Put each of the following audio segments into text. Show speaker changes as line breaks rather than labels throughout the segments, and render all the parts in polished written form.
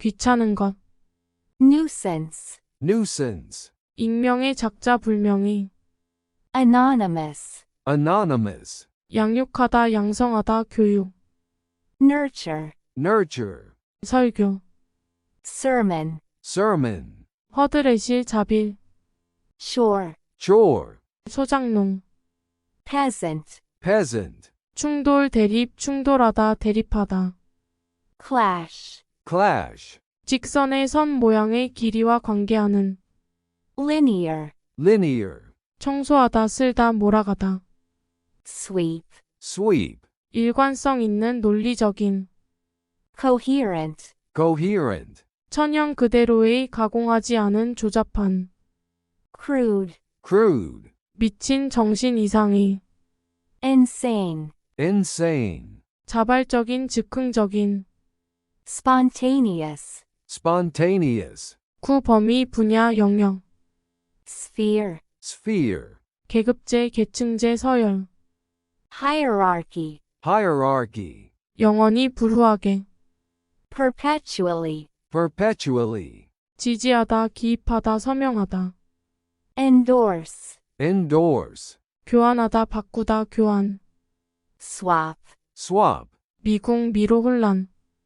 귀찮은 것.
nuisance,
nuisance,
익명의 작자 불명의.
anonymous,
anonymous,
양육하다 양성하다 교육.
nurture,
nurture,
설교.
sermon,
sermon,
허드레실 자빌.
shore,
chore,
소작농.
peasant,
peasant,
충돌 대립 충돌하다 대립하다.
clash,
clash,
직선의 선 모양의 길이와 관계하는.
linear,
linear,
청소하다 쓸다 몰아가다.
sweep,
sweep,
일관성 있는 논리적인.
coherent,
coherent,
천연 그대로의 가공하지 않은 조잡한.
crude,
crude,
미친 정신 이상의.
insane,
insane,
자발적인 즉흥적인.
spontaneous,
spontaneous,
구 범위 분야 영역.
sphere,
sphere,
계급제 계층제 서열.
hierarchy,
hierarchy,
영원히 불후하게.
perpetually,
perpetually,
지지하다 기입하다 서명하다.
endorse,
endorse,
교환하다 바꾸다 교환.
swap,
swap,
미궁 미로 혼란.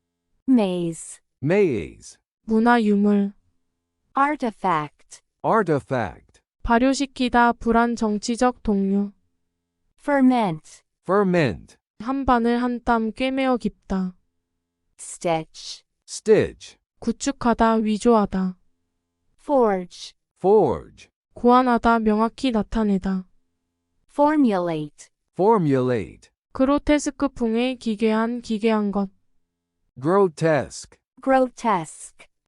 maze,
maze,
문화 유물.
artifact,
artifact,
발효시키다 불안 정치적 동료.
ferment,
ferment,
한 바늘 한 땀 꿰매어 깊다.
stitch,
stitch,
구축하다 위조하다.
forge,
forge,
고안하다 명확히 나타내다.
formulate,
formulate,
그로테스크풍의 기괴한 것.
grotesque,
grotesque,